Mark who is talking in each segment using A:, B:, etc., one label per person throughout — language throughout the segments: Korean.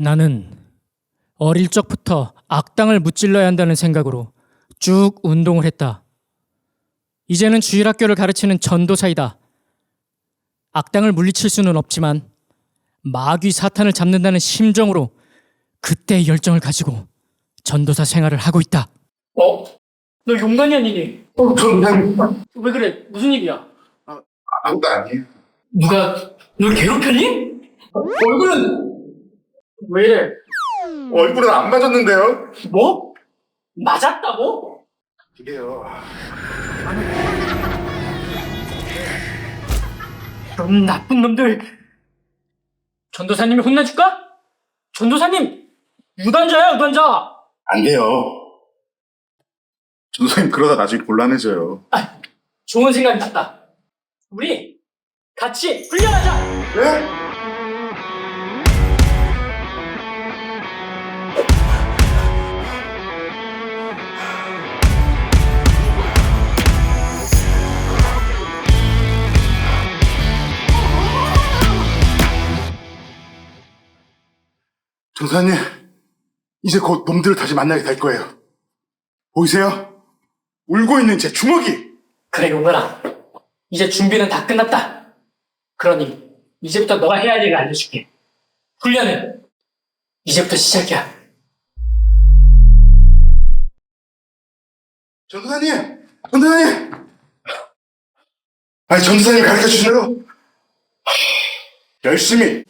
A: 나는 어릴 적부터 악당을 무찔러야 한다는 생각으로 쭉 운동을 했다. 이제는 주일학교를 가르치는 전도사이다. 악당을 물리칠 수는 없지만 마귀 사탄을 잡는다는 심정으로 그때의 열정을 가지고 전도사 생활을 하고 있다. 너 용감이 아니니?
B: 저는
A: 왜 그래? 무슨 일이야?
B: 아무도 아니에요.
A: 누가 널 괴롭혔니? 얼굴은 왜 이래?
B: 얼굴은 안 맞았는데요.
A: 뭐? 맞았다고?
B: 이게요.
A: 그럼 나쁜 놈들. 전도사님이 혼내줄까? 전도사님 유단자야, 유단자.
B: 안 돼요. 전도사님 그러다 나중에 곤란해져요.
A: 좋은 생각이 났다. 우리 같이 훈련하자.
B: 네? 전도사님, 이제 곧 놈들을 다시 만나게 될 거예요. 보이세요? 울고 있는 제 주먹이!
A: 그래, 용건아. 이제 준비는 다 끝났다. 그러니 이제부터 너가 해야 할 일을 알려줄게. 훈련은 이제부터 시작이야.
B: 전도사님! 전도사님! 아니, 전도사님 가르쳐 주신 대로 열심히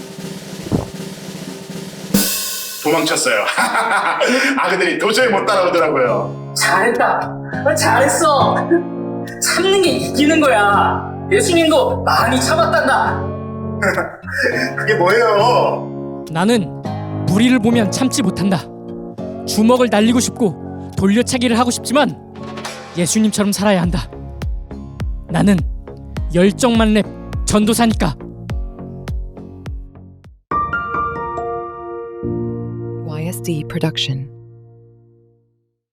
B: 도망쳤어요. 아그들이 도저히 못 따라오더라고요.
A: 잘했다. 잘했어. 참는 게 이기는 거야. 예수님도 많이 참았단다.
B: 그게 뭐예요?
A: 나는 무리를 보면 참지 못한다. 주먹을 날리고 싶고 돌려차기를 하고 싶지만 예수님처럼 살아야 한다. 나는 열정만 랩 전도사니까.
C: YSD Production.